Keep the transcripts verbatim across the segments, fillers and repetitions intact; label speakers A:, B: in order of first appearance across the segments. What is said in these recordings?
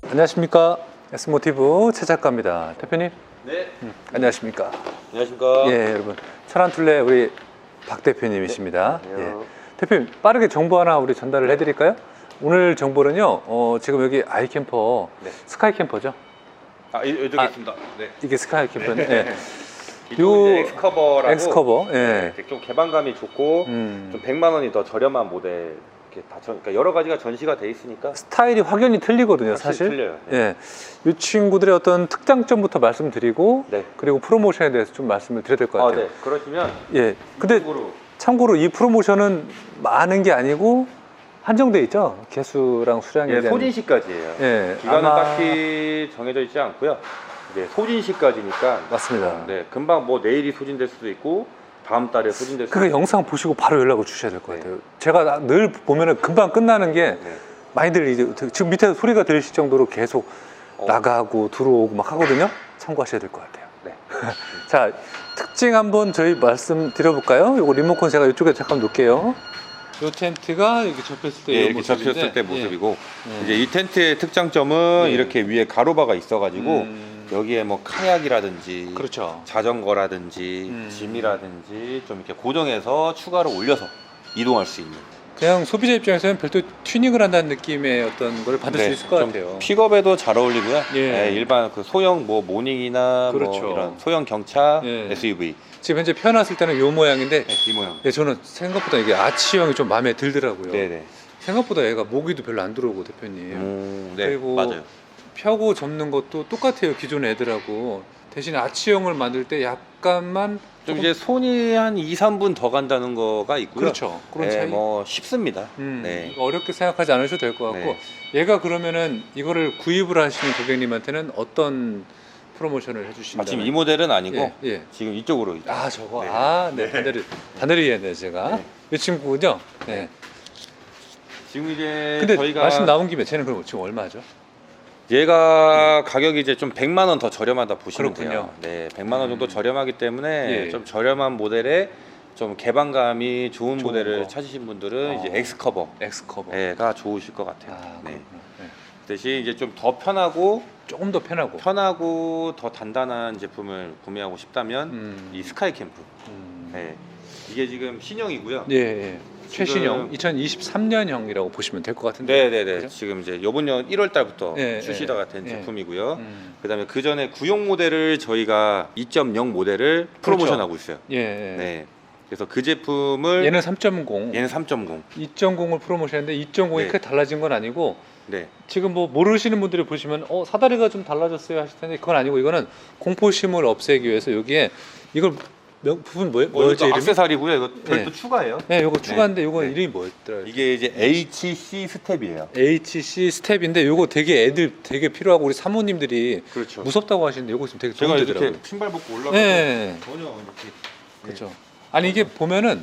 A: 안녕하십니까. S모티브 최 작가입니다. 대표님.
B: 네.
A: 음, 안녕하십니까.
B: 안녕하십니까.
A: 예, 여러분. 차란툴레 우리 박 대표님이십니다.
B: 네,
A: 예.
B: 안녕하세요.
A: 대표님, 빠르게 정보 하나 우리 전달을 해드릴까요? 오늘 정보는요, 어, 지금 여기 아이캠퍼,
B: 네.
A: 스카이 캠퍼죠?
B: 아, 이- 여기
A: 아,
B: 있습니다. 네.
A: 이게 스카이 캠퍼는 예.
B: 이쪽은
A: 요-
B: 이제 엑스커버라고.
A: 엑스커버. 예.
B: 네, 좀 개방감이 좋고
A: 음.
B: 좀 백만 원이 더 저렴한 모델 이렇게 다 전, 그러니까 여러 가지가 전시가 돼 있으니까
A: 스타일이 확연히 틀리거든요,
B: 확실히
A: 사실.
B: 틀려요.
A: 예. 이 친구들의 어떤 특장점부터 말씀드리고,
B: 네.
A: 그리고 프로모션에 대해서 좀 말씀을 드려야 될 것
B: 아,
A: 같아요.
B: 네. 그러시면
A: 예. 근데
B: 이쪽으로
A: 참고로 이 프로모션은 많은 게 아니고 한정돼 있죠. 개수랑 수량에
B: 예,
A: 대한.
B: 소진시까지예요.
A: 예.
B: 기간은
A: 아마-
B: 딱히 정해져 있지 않고요. 이제 소진시까지니까
A: 맞습니다.
B: 네, 금방 뭐 내일이 소진될 수도 있고 다음 달에 소진될 수도
A: 그
B: 있고.
A: 영상 보시고 바로 연락을 주셔야 될 것
B: 네.
A: 같아요. 제가 늘 보면은 금방 끝나는 게
B: 네.
A: 많이들 이제 지금 밑에 소리가 들리실 정도로 계속
B: 어.
A: 나가고 들어오고 막 하거든요. 참고하셔야 될 것 같아요.
B: 네.
A: 자, 특징 한번 저희 말씀드려볼까요? 요거 리모컨 제가 이쪽에 잠깐 놓을게요. 요 텐트가 이렇게 접혔을 때
B: 예,
A: 이
B: 이렇게
A: 모습인데,
B: 접혔을 때 모습이고
A: 예.
B: 이제 이 텐트의 특장점은
A: 예.
B: 이렇게 위에 가로바가 있어가지고
A: 음,
B: 여기에 뭐 카약이라든지
A: 그렇죠.
B: 자전거라든지
A: 음.
B: 짐이라든지 좀 이렇게 고정해서 추가로 올려서 이동할 수 있는
A: 그냥 소비자 입장에서는 별도 튜닝을 한다는 느낌의 어떤 걸 받을 수
B: 네,
A: 있을 것
B: 좀
A: 같아요.
B: 픽업에도 잘 어울리고요.
A: 예.
B: 네, 일반 그 소형 뭐 모닝이나
A: 그렇죠.
B: 뭐 이런 소형 경차
A: 예.
B: 에스유브이
A: 지금 현재 펴놨을 때는 요 모양인데
B: 네, 이 모양.
A: 예, 저는 생각보다 이게 아치형이 좀 마음에 들더라고요.
B: 네네.
A: 생각보다 얘가 모기도 별로 안 들어오고 대표님.
B: 음, 네,
A: 그리고
B: 맞아요.
A: 펴고 접는 것도 똑같아요. 기존 애들하고. 대신 아치형을 만들 때 약간만
B: 좀
A: 조금-
B: 이제 손이 한 이, 삼 분 더 간다는 거가 있고요.
A: 그렇죠. 그런
B: 네,
A: 차이.
B: 뭐 쉽습니다.
A: 음,
B: 네.
A: 어렵게 생각하지 않으셔도 될 것 같고
B: 네.
A: 얘가 그러면은 이거를 구입을 하시는 고객님한테는 어떤 프로모션을 해주신다?
B: 마침 이 모델은 아니고
A: 예, 예.
B: 지금 이쪽으로 있-
A: 아 저거
B: 네.
A: 아 네
B: 네.
A: 반대로 반대로 이해했네 제가
B: 네.
A: 이 친구군요. 네.
B: 지금 이제
A: 근데
B: 저희가
A: 말씀 나온 김에 쟤는 그럼 지금 얼마죠?
B: 얘가 가격이 이제 좀 백만 원 더 저렴하다 보시면
A: 그렇군요.
B: 돼요. 네, 백만 원 정도
A: 음.
B: 저렴하기 때문에
A: 예.
B: 좀 저렴한 모델에 좀 개방감이 좋은,
A: 좋은
B: 모델을
A: 거.
B: 찾으신 분들은
A: 어.
B: 이제 엑스커버
A: 엑스커버.
B: 가 좋으실 것 같아요.
A: 아,
B: 네.
A: 그렇구나. 네.
B: 대신 이제 좀 더 편하고
A: 조금 더 편하고.
B: 편하고 더 단단한 제품을 구매하고 싶다면
A: 음.
B: 이 스카이 캠프.
A: 음.
B: 네. 이게 지금 신형이고요.
A: 예, 예.
B: 지금-
A: 최신형 이천이십삼 년형이라고 보시면 될 것 같은데.
B: 네, 네, 네.
A: 그죠?
B: 지금 이제 이번 년 일월 달부터
A: 예,
B: 출시가
A: 예,
B: 된
A: 예.
B: 제품이고요.
A: 음.
B: 그다음에 그 전에 구형 모델을 저희가 이 점 영 모델을 프로모션하고 있어요.
A: 예, 예.
B: 네. 그래서 그 제품을
A: 얘는 삼 점 공,
B: 얘는 삼 점 공.
A: 이 점 공을 프로모션했는데 이 점 공이
B: 네.
A: 크게 달라진 건 아니고
B: 네.
A: 지금 뭐 모르시는 분들이 보시면 어 사다리가 좀 달라졌어요 하실 텐데 그건 아니고 이거는 공포심을 없애기 위해서 여기에 이걸 명, 부분 뭐예요?
B: 뭐
A: 뭐였죠
B: 이거
A: 이름이?
B: 악세사리고요. 이거 별도
A: 네.
B: 추가예요.
A: 네, 이거 추가인데 이거
B: 네.
A: 이름이 뭐였더라?
B: 이게 이제 에이치씨 스텝이에요.
A: 에이치씨 스텝인데 이거 되게 애들 되게 필요하고 우리 사모님들이
B: 그렇죠.
A: 무섭다고 하시는데 이거 지금 되게
B: 제가
A: 도움이
B: 이렇게
A: 되더라고요.
B: 신발 벗고 올라가서
A: 네.
B: 전혀 이렇게
A: 그렇죠. 아니 이게 보면은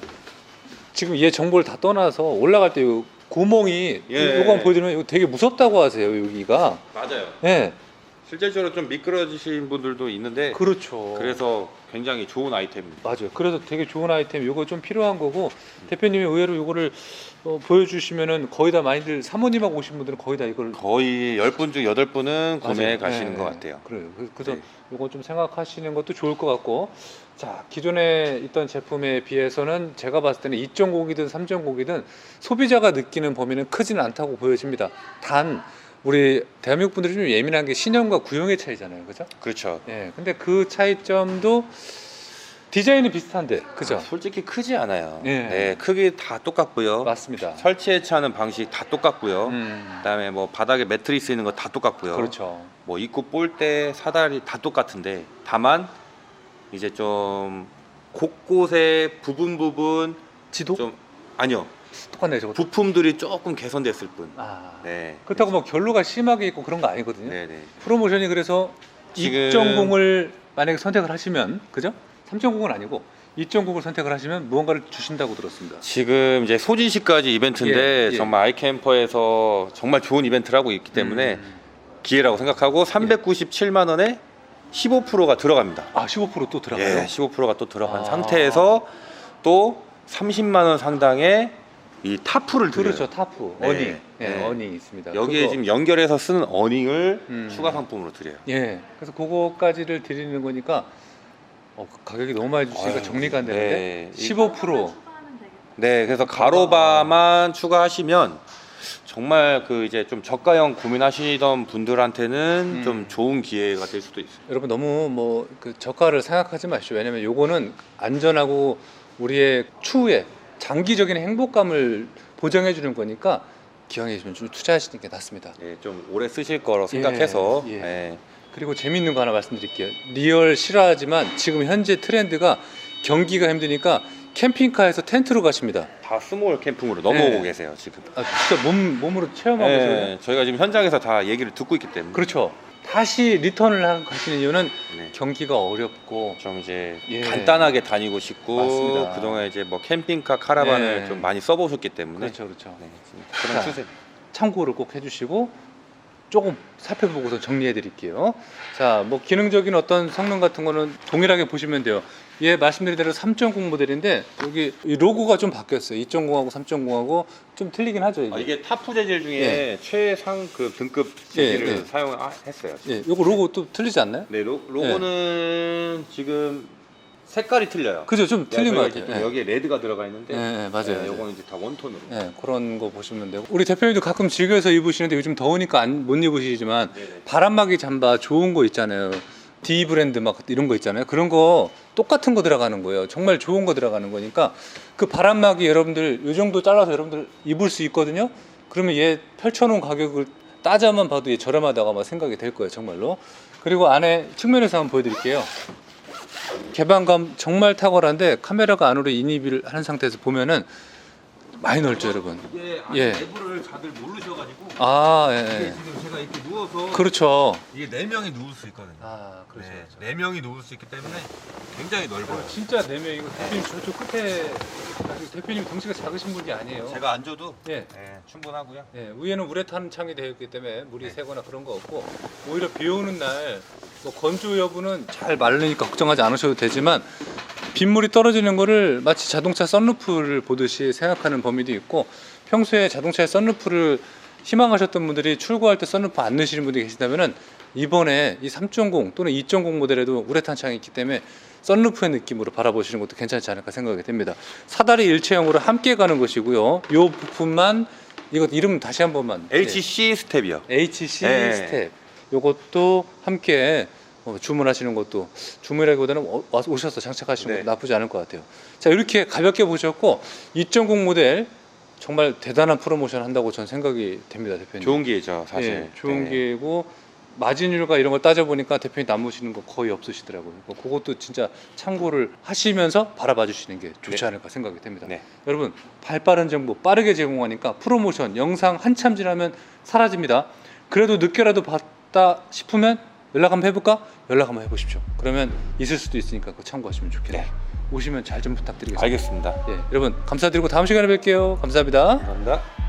A: 지금 얘 정보를 다 떠나서 올라갈 때 요 구멍이
B: 예.
A: 요거 한번 보여드리면 이거 되게 무섭다고 하세요 여기가.
B: 맞아요.
A: 예.
B: 실제적으로 좀 미끄러지신 분들도 있는데
A: 그렇죠.
B: 그래서 굉장히 좋은 아이템입니다.
A: 맞아요. 그래서 되게 좋은 아이템 요거 좀 필요한 거고 대표님이 의외로 요거를 어, 보여주시면은 거의 다 많이들 사모님하고 오신 분들은 거의 다 이걸
B: 거의 열 분 중 여덟 분은 구매해
A: 맞아요.
B: 가시는
A: 네,
B: 것
A: 네.
B: 같아요.
A: 그래요. 그- 그래서
B: 네.
A: 요거 좀 생각하시는 것도 좋을 것 같고 자 기존에 있던 제품에 비해서는 제가 봤을 때는 이 점 공이든 삼 점 공이든 소비자가 느끼는 범위는 크지는 않다고 보여집니다. 단 우리 대한민국 분들이 좀 예민한 게 신형과 구형의 차이잖아요, 그죠?
B: 그렇죠.
A: 예. 근데 그 차이점도 디자인은 비슷한데, 그죠?
B: 아, 솔직히 크지 않아요.
A: 예.
B: 네, 크기 다 똑같고요.
A: 맞습니다.
B: 설치해체하는 방식 다 똑같고요.
A: 음,
B: 그다음에 뭐 바닥에 매트리스 있는 거 다 똑같고요.
A: 그렇죠.
B: 뭐 입구 볼대, 사다리 다 똑같은데 다만 이제 좀 곳곳에 부분 부분
A: 지도
B: 좀 아니요
A: 똑같네, 저거.
B: 부품들이 조금 개선됐을 뿐.
A: 아,
B: 네.
A: 그렇다고 뭐 결로가 심하게 있고 그런 거 아니거든요.
B: 네네.
A: 프로모션이 그래서
B: 지금-
A: 이 점 공을 만약에 선택을 하시면, 그죠? 삼 점 공은 아니고 이 점 공을 선택을 하시면 무언가를 주신다고 들었습니다.
B: 지금 이제 소진시까지 이벤트인데
A: 예, 예.
B: 정말 아이캠퍼에서 정말 좋은 이벤트를 하고 있기 때문에
A: 음.
B: 기회라고 생각하고 삼백구십칠만 원에 십오 퍼센트가 들어갑니다.
A: 아, 십오 퍼센트 또 들어가요?
B: 예, 십오 퍼센트가 또 들어간
A: 아.
B: 상태에서 또 삼십만 원 상당의 이 타프를 드려요.
A: 그렇죠. 타프,
B: 네.
A: 어닝, 예,
B: 네.
A: 어닝 있습니다.
B: 여기에
A: 그거-
B: 지금 연결해서 쓰는 어닝을
A: 음.
B: 추가 상품으로 드려요.
A: 예, 그래서 그거까지를 드리는 거니까 어, 가격이 너무 많이 주시니까
B: 아유,
A: 정리가 안 되는데
B: 네.
A: 십오 퍼센트
C: 추가하면 되겠다.
B: 네, 그래서 가로바만 추가하시면 정말 그 이제 좀 저가형 고민하시던 분들한테는
A: 음.
B: 좀 좋은 기회가 될 수도 있어요.
A: 여러분 너무 뭐 그 저가를 생각하지 마시죠. 왜냐면 요거는 안전하고 우리의 추후에 장기적인 행복감을 보장해 주는 거니까 기왕에 좀 투자하시는 게 낫습니다.
B: 네, 좀 오래 쓰실 거로 생각해서
A: 예.
B: 네.
A: 그리고 재밌는 거 하나 말씀드릴게요. 리얼 싫어하지만 지금 현재 트렌드가 경기가 힘드니까 캠핑카에서 텐트로 가십니다.
B: 다 스몰 캠핑으로 넘어오고
A: 네.
B: 계세요 지금.
A: 아, 진짜 몸 몸으로 체험하고
B: 네,
A: 계세요.
B: 저희가 지금 현장에서 다 얘기를 듣고 있기 때문에
A: 그렇죠. 다시 리턴을 하- 하시는 이유는
B: 네.
A: 경기가 어렵고
B: 좀 이제
A: 예.
B: 간단하게 다니고 싶고
A: 맞습니다.
B: 그동안 이제 뭐 캠핑카 카라반을
A: 네.
B: 좀 많이 써보셨기 때문에
A: 그렇죠, 그렇죠.
B: 네, 그런
A: 자.
B: 추세.
A: 참고를 꼭 해주시고 조금 살펴보고서 정리해드릴게요. 자, 뭐 기능적인 어떤 성능 같은 거는 동일하게 보시면 돼요. 예, 말씀드린 대로 삼 점 공 모델인데 여기 이 로고가 좀 바뀌었어요. 이 점 공하고 삼 점 공하고 좀 틀리긴 하죠. 이게.
B: 아, 이게 타프 재질 중에
A: 예.
B: 최상 그 등급 재질을
A: 예, 예.
B: 사용했어요.
A: 예, 요거 로고 또 틀리지 않나요?
B: 네, 로, 로고는 지금 색깔이 틀려요.
A: 그죠, 좀
B: 네,
A: 틀린 것
B: 저희가
A: 같아요.
B: 이제
A: 예.
B: 여기에 레드가 들어가 있는데
A: 예, 예, 맞아요.
B: 네,
A: 맞아요.
B: 요거는 이제 다 원톤으로.
A: 예, 그런 거 보시면 되고 우리 대표님도 가끔 즐겨서 입으시는데 요즘 더우니까 안, 못 입으시지만
B: 네네.
A: 바람막이 잠바 좋은 거 있잖아요. D 브랜드 막 이런 거 있잖아요. 그런 거 똑같은 거 들어가는 거예요. 정말 좋은 거 들어가는 거니까 그 바람막이 여러분들 이 정도 잘라서 여러분들 입을 수 있거든요. 그러면 얘 펼쳐놓은 가격을 따져만 봐도 얘 저렴하다고 아마 생각이 될 거예요, 정말로. 그리고 안에 측면에서 한번 보여드릴게요. 개방감 정말 탁월한데 카메라가 안으로 인입을 하는 상태에서 보면은 많이 넓죠, 여러분.
B: 이게
A: 예.
B: 내부를 다들 모르셔가지고
A: 아, 예,
B: 이게
A: 예.
B: 지금 제가 이렇게 누워서
A: 그렇죠.
B: 이게 네 명이 누울 수 있거든요.
A: 아, 그렇죠.
B: 네,
A: 그렇죠.
B: 네 명이 누울 수 있기 때문에 굉장히 넓어요.
A: 진짜 네 명이고 대표님 저쪽 끝에 아직 대표님 덩치가 작으신 분이 아니에요.
B: 제가 앉아도
A: 예.
B: 네, 충분하고요.
A: 예, 위에는 우레탄 창이 되어 있기 때문에 물이
B: 네.
A: 새거나 그런 거 없고 오히려 비 오는 날 뭐 건조 여부는 잘 마르니까 걱정하지 않으셔도 되지만 빗물이 떨어지는 거를 마치 자동차 썬루프를 보듯이 생각하는 범위도 있고 평소에 자동차의 썬루프를 희망하셨던 분들이 출고할 때 썬루프 안 넣으시는 분들이 계시다면은 이번에 이 삼 점 공 또는 이 점 공 모델에도 우레탄 창이 있기 때문에 썬루프의 느낌으로 바라보시는 것도 괜찮지 않을까 생각이 됩니다. 사다리 일체형으로 함께 가는 것이고요. 이 부품만 이것 이름 다시 한 번만.
B: 에이치씨 스텝이요.
A: 네. 에이치씨
B: 네.
A: 스텝. 요것도 함께 어, 주문하시는 것도 주문이라기보다는 어, 와서 오셔서 장착하시는
B: 네.
A: 것도 나쁘지 않을 것 같아요. 자, 이렇게 가볍게 보셨고 이 점 공 모델 정말 대단한 프로모션 한다고 전 생각이 됩니다, 대표님.
B: 좋은 기회죠, 사실.
A: 예, 좋은
B: 네.
A: 기회고 마진율과 이런 걸 따져보니까 대표님 남으시는 거 거의 없으시더라고요. 뭐 그것도 진짜 참고를 하시면서 바라봐 주시는 게 좋지
B: 네.
A: 않을까 생각이 됩니다.
B: 네.
A: 여러분 발빠른 정보 빠르게 제공하니까 프로모션 영상 한참 지나면 사라집니다. 그래도 늦게라도 봤다 싶으면 연락 한번 해볼까? 연락 한번 해보십시오. 그러면 있을 수도 있으니까 그거 참고하시면 좋겠네요.
B: 네.
A: 오시면 잘 좀 부탁드리겠습니다.
B: 알겠습니다.
A: 예, 여러분 감사드리고 다음 시간에 뵐게요. 감사합니다.
B: 감사합니다.